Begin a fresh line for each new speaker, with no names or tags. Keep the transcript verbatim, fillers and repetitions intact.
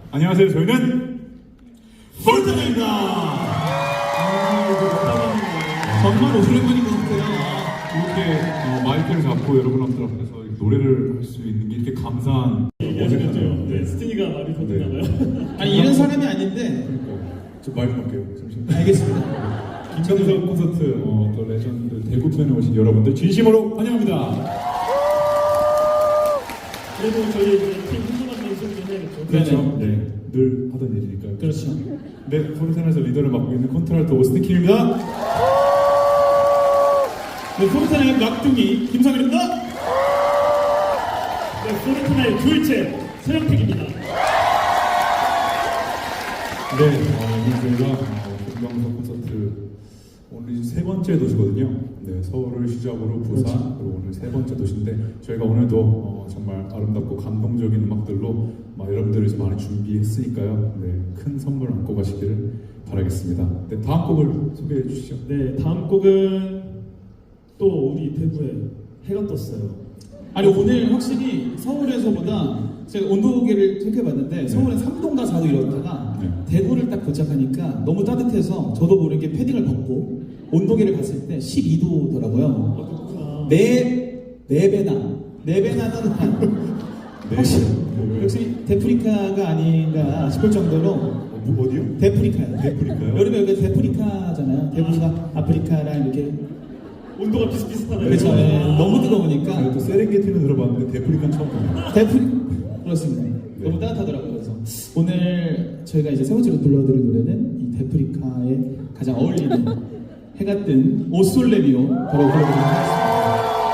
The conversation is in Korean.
안녕하세요. 저희는 포르테나입니다. 아,
정말 오랜만인 것 같아요.
이렇게 어, 마이크를 잡고 여러분들 앞에서 노래를 할 수 있는 게 이렇게 감사한
어색하죠. 네, 스티니가 말이 더듬나봐요.
아니 이런 사람이 아닌데.
저 마이크 할게요. 잠시만요.
알겠습니다.
김정석 콘서트 어, 또 레전드 대구 편에 오신 여러분들 진심으로 환영합니다.
그래도 저희 이제 팀 훈련한 연습 좀 해야겠죠.
그렇죠. 네, 늘 하던 일이니까요.
그렇죠.
네, 포르테나에서 리더를 맡고 있는 콘트랄토 오스틴 킴입니다.
네, 포르테나의 막둥이 김성일입니다.
네, 포르테나의 둘째 서영택입니다.
네, 어, 오늘 저희가 어, 김광석 콘서트 오늘 이제 세 번째 도시거든요. 네, 서울을 시작으로 부산
그렇죠.
그리고 오늘 세 번째 도시인데 저희가 오늘도 어, 정말 아름답고 감동적인 음악들로 막 여러분들을 이제 많이 준비했으니까요. 네, 큰 선물 안고 가시기를 바라겠습니다. 네, 다음 곡을 소개해 주시죠.
네, 다음 곡은 또 우리 대구에 해가 떴어요.
아니 오늘 확실히 서울에서보다 제가 온도계를 체크해봤는데 서울은 삼 도인가 사 도 이러다가
네.
대구를 딱 도착하니까 너무 따뜻해서 저도 모르게 패딩을 벗고 온도계를 봤을 때 십이 도더라고요.
어떻구나.
네, 네 배나 네 배나 따뜻한
네.
확실히
네.
역시 데프리카가 아닌가 싶을 정도로
어, 뭐, 어디요?
데프리카요.
데프리카요?
여름에 여기 데프리카잖아요. 대구가 아프리카랑 이렇게
온도가 비슷비슷하네요.
그렇죠. 예, 너무 뜨거우니까
제가 또 세렝게티는 들어봤는데 데프리카는 처음 봅니다.
데프리 그렇습니다. 너무 따뜻하더라고요. 그래서 오늘 저희가 이제 세 번째로 불러드릴 노래는 이 데프리카에 가장 어울리는 해가 뜬 오솔레미오 바로 불러드리도록 하겠습니다.